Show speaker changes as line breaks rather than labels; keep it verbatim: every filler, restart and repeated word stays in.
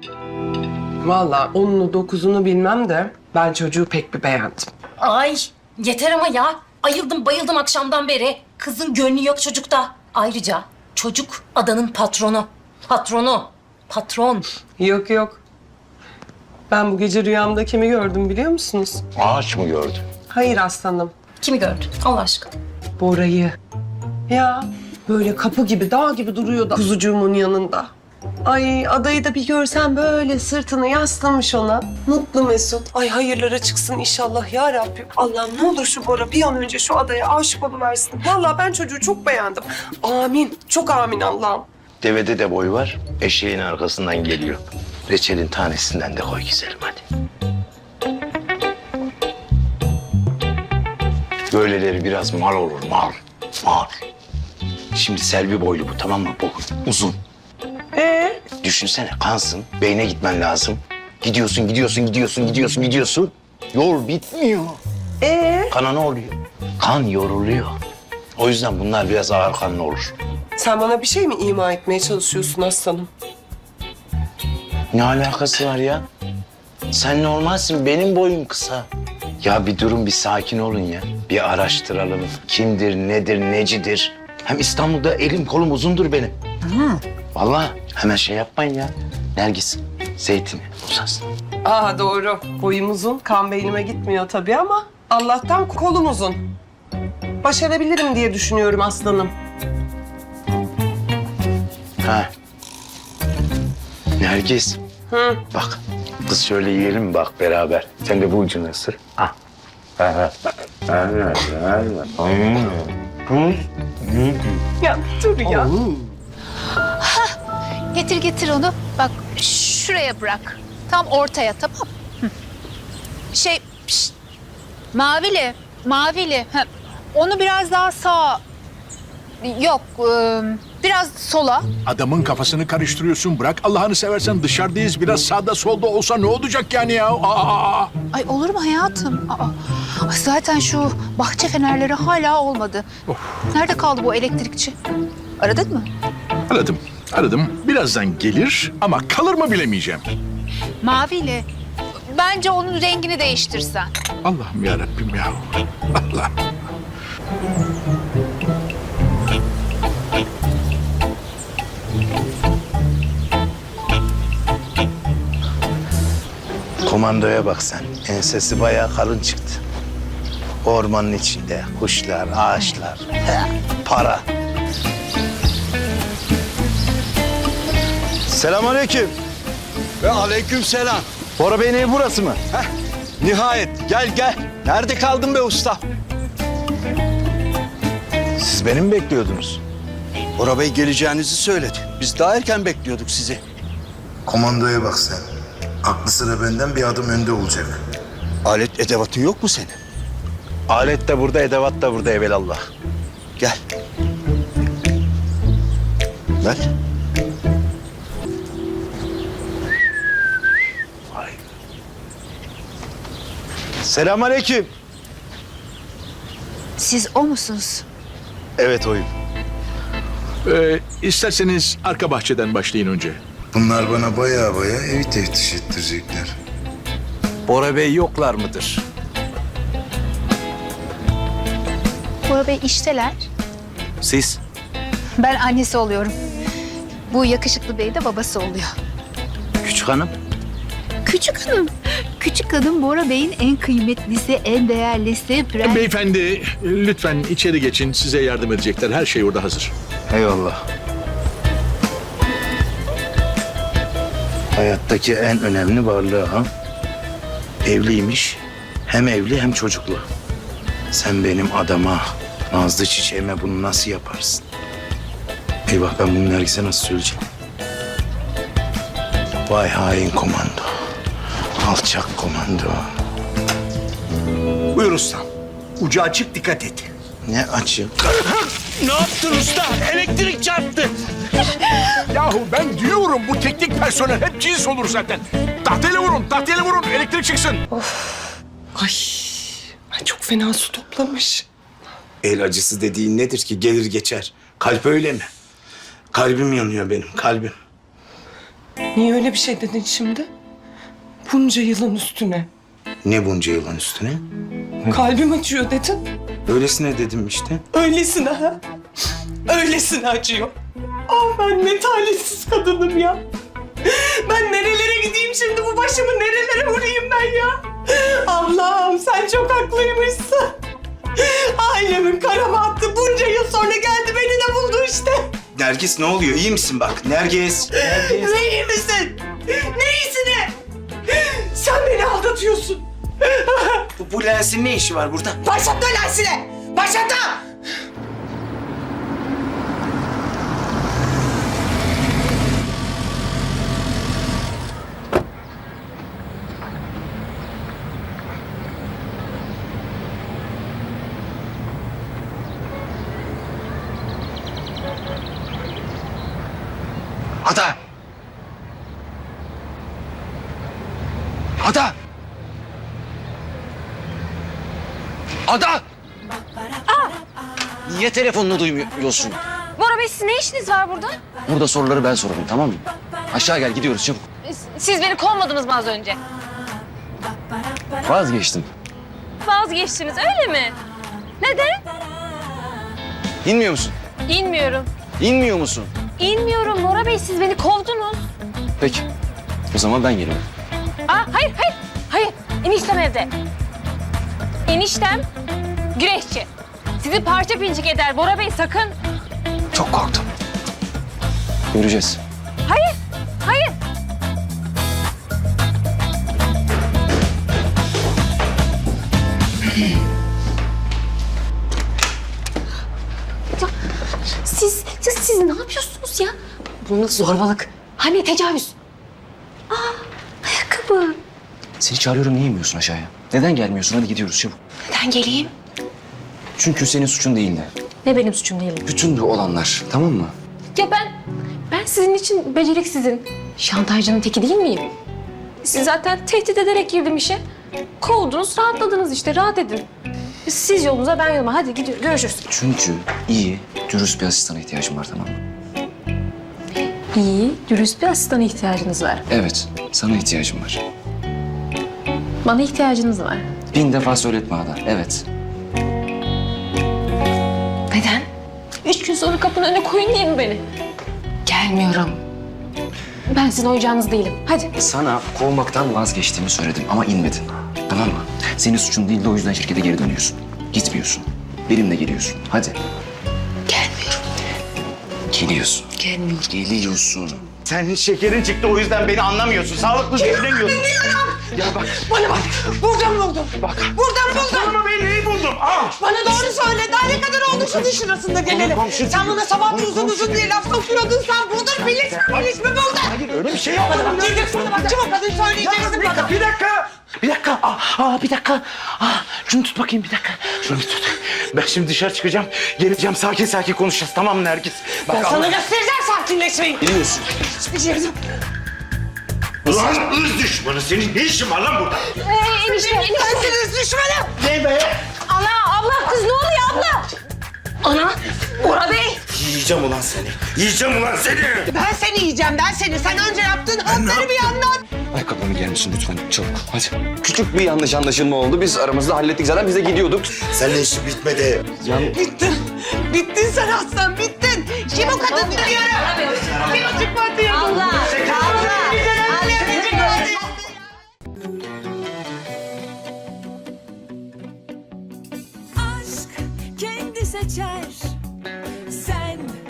Vallahi onunu dokuzunu bilmem de ben çocuğu pek bir beğendim.
Ay yeter ama ya. Ayıldım bayıldım akşamdan beri. Kızın gönlü yok çocukta. Ayrıca çocuk adanın patronu. Patronu. Patron.
Yok yok. Ben bu gece rüyamda kimi gördüm biliyor musunuz?
Ağaç mı gördün?
Hayır aslanım.
Kimi gördün Allah aşkına?
Bora'yı. Ya böyle kapı gibi, dağ gibi duruyordu kuzucuğumun yanında. Ay adayı da bir görsen böyle sırtını yaslamış ona. Mutlu mesut. Ay hayırlara çıksın inşallah ya Rabbim. Allah'ım ne olur şu Bora bir an önce şu adaya aşık oluversin. Vallahi ben çocuğu çok beğendim. Amin. Çok amin Allah'ım.
Devede de boy var. Eşeğin arkasından geliyor. Reçelin tanesinden de koy güzelim hadi. Böyleleri biraz mal olur mal. Mal. Şimdi Selvi boylu bu tamam mı? Bu uzun.
Ee?
Düşünsene kansın. Beyne gitmen lazım. Gidiyorsun, gidiyorsun, gidiyorsun, gidiyorsun, gidiyorsun. Yol bitmiyor.
Ee?
Kana ne oluyor? Kan yoruluyor. O yüzden bunlar biraz ağır kanlı olur.
Sen bana bir şey mi ima etmeye çalışıyorsun aslanım?
Ne alakası var ya? Sen normalsin, benim boyum kısa. Ya bir durun, bir sakin olun ya. Bir araştıralım. Kimdir, nedir, necidir? Hem İstanbul'da elim kolum uzundur benim. Hı. Vallahi hemen şey yapmayın ya. Nergis, zeytini uzasın.
Aa doğru. Boyum uzun, kan beynime gitmiyor tabii ama Allah'tan kolum uzun. Başarabilirim diye düşünüyorum aslanım.
Ha. Nergis.
Hı.
Bak, kız şöyle yiyelim mi bak beraber. Sen de bu ucunu ısır. Ah.
Ya dur ya.
Getir getir onu. Bak şuraya bırak. Tam ortaya tamam mı? Hı. Şey pişt. Mavili. Mavili. Ha, onu biraz daha sağa. Yok. ıı, biraz sola.
Adamın kafasını karıştırıyorsun. Bırak Allah'ını seversen dışarıdayız. Biraz sağda solda olsa ne olacak yani ya? Aa!
Ay olur mu hayatım? Aa, ay zaten şu bahçe fenerleri hala olmadı. Nerede kaldı bu elektrikçi? Aradın mı?
Aradım, aradım. Birazdan gelir ama kalır mı bilemeyeceğim.
Mavili. Bence onun rengini değiştirsen.
Allah'ım ya Rabbim ya. Allah'ım.
Komandoya bak sen. Ensesi bayağı kalın çıktı. Ormanın içinde kuşlar, ağaçlar, he, para. Selamünaleyküm.
Ve aleykümselam.
Bora Bey'in evi burası mı?
Heh, nihayet gel gel. Nerede kaldın be usta?
Siz beni mi bekliyordunuz?
Bora Bey geleceğinizi söyledi. Biz daha erken bekliyorduk sizi.
Komandoya bak sen. Aklı sıra benden bir adım önde olacak.
Alet edevatın yok mu senin?
Alet de burada, edevat da burada evelallah.
Gel. Ver.
Selamünaleyküm.
Siz o musunuz?
Evet oyum.
Ee, isterseniz arka bahçeden başlayın önce.
Bunlar bana baya baya evi teftiş ettirecekler.
Bora Bey yoklar mıdır?
Bora Bey işteler.
Siz?
Ben annesi oluyorum. Bu yakışıklı bey de babası oluyor.
Küçük hanım.
Küçük hanım. Küçük hanım Bora Bey'in en kıymetlisi, en değerlisi. Prens...
Beyefendi lütfen içeri geçin. Size yardım edecekler. Her şey orada hazır.
Eyvallah. Hayattaki en önemli varlığı ha. Evliymiş. Hem evli hem çocuklu. Sen benim adama, nazlı çiçeğime bunu nasıl yaparsın? Eyvah ben bunu Nergis'e nasıl söyleyeceğim? Vay hain komando. Alçak komando.
Buyur ustam. Ucu açık dikkat et.
Ne açık.
Ne yaptın usta? Elektrik çarptı.
Yahu ben diyorum bu teknik personel hep cins olur zaten. Tahtayla vurun, tahtayla vurun. Elektrik çıksın.
Ay, ay çok fena su toplamış.
El acısı dediğin nedir ki gelir geçer? Kalp öyle mi? Kalbim yanıyor benim, kalbim.
Niye öyle bir şey dedin şimdi? Bunca yılın üstüne.
Ne bunca yılın üstüne?
Kalbim acıyor dedin.
Öylesine dedim işte.
Öylesine ha. Öylesine acıyor. Ah ben ne talihsiz kadınım ya. Ben nerelere gideyim şimdi, bu başımı nerelere vurayım ben ya? Allah'ım sen çok haklıymışsın. Ailemin kara bahtı bunca yıl sonra geldi beni de buldu işte.
Nergis ne oluyor? İyi misin bak? Nergis. Nergis.
Ne iyi misin? Ne iyisine? Sen beni aldatıyorsun.
Bu, bu lensin ne işi var burada?
Başlatma lensine! Başlatma!
Ada! Ada! Ada! Niye telefonunu duymuyorsun?
Bora Bey siz ne işiniz var burada?
Burada soruları ben sorarım, tamam mı? Aşağı gel, gidiyoruz çabuk.
Siz beni kovmadınız mı az önce?
Vazgeçtim.
Vazgeçtiniz öyle mi? Neden?
İnmiyor musun?
İnmiyorum.
İnmiyor musun?
İnmiyorum Bora Bey siz beni kovdunuz.
Peki. O zaman ben geliyorum.
Aa, hayır hayır hayır eniştem evde. Eniştem güreşçi. Sizi parça pinçik eder Bora Bey sakın.
Çok korktum. Göreceğiz.
Hayır hayır. Ya, siz, siz, siz ne yapıyorsunuz ya? Bu nasıl zorbalık? Hani tecavüz? Aa, ayakkabı.
Seni çağırıyorum, niye inmiyorsun aşağıya? Neden gelmiyorsun? Hadi gidiyoruz çabuk.
Neden geleyim?
Çünkü senin suçun değildi.
Ne benim suçum değil.
Bütün bu olanlar, tamam mı?
Ya ben, ben sizin için beceriksizin, şantajcının teki değil miyim? Siz zaten tehdit ederek girdim işe. Kovdunuz, rahatladınız işte, rahat edin. Siz yolunuza, ben yoluma. Hadi gidiyoruz, görüşürüz.
Çünkü iyi, dürüst bir asistana ihtiyacım var, tamam mı?
İyi, dürüst bir asistana ihtiyacınız var.
Evet, sana ihtiyacım var.
Bana ihtiyacınız var.
Bin defa söyletme Ada, evet.
Neden? Üç gün sonra kapının önüne koyun diye mi beni? Gelmiyorum. Ben sizin oyuncağınız değilim. Hadi.
Sana kovmaktan vazgeçtiğimi söyledim ama inmedin. Tamam mı? Senin suçun değildi, o yüzden şirkete geri dönüyorsun. Gitmiyorsun. Benimle geliyorsun. Hadi.
Gelmiyorum.
Geliyorsun.
Gelmiyorum.
Geliyorsun.
Senin şekerin çıktı, o yüzden beni anlamıyorsun. Sağlıklı düşünemiyorsun. Ya bak.
Bana bak, buradan buldum. Bak. Buradan buldum.
Ama ben neyi buldum? Al.
Bana doğru söyle, daha ne kadar oldu şunun şurasında gelelim. Sen bana sabah uzun uzun diye laf sokuyordun, sen buldun, bilis mi bilis mi buldun?
Hayır öyle bir şey yok.
Bana bak, gelecek şurada bak, çabuk kadın söyleyeceksin
Bir
bana.
dakika, bir dakika.
Bir dakika. Aa, aa, bir dakika. Aa, şunu tut bakayım bir dakika. Şunu bir tut. Ben şimdi dışarı çıkacağım. Geleceğim, sakin sakin konuşacağız. Tamam mı Nergis? Bak,
Ben sana
Allah-
göstereceğim sakinleşmeyi.
Biliyorsun.
Ulan ırz düşmanı, senin ne işin var lan burada?
Ee, enişte, enişte.
Sensiniz düşmanım.
Ne be?
Ana, abla, kız ne oluyor abla? Ana, Bora Bey.
Yiyeceğim ulan seni. Yiyeceğim ulan seni.
Ben seni yiyeceğim, ben seni. Sen önce yaptığın hatları bir anlat.
Ayakkabılarını giyer misin lütfen? Çabuk. Hadi. Küçük bir yanlış anlaşılma oldu. Biz aramızda hallettik zaten. Biz de gidiyorduk.
Seninle işi bitmedi.
Can...
Bittin. Bittin sen aslan, bittin. Kim o kadın diyorum. Kim o çıkmadı diyorum.
Allah, Allah.
aşk kendi seçer. Sen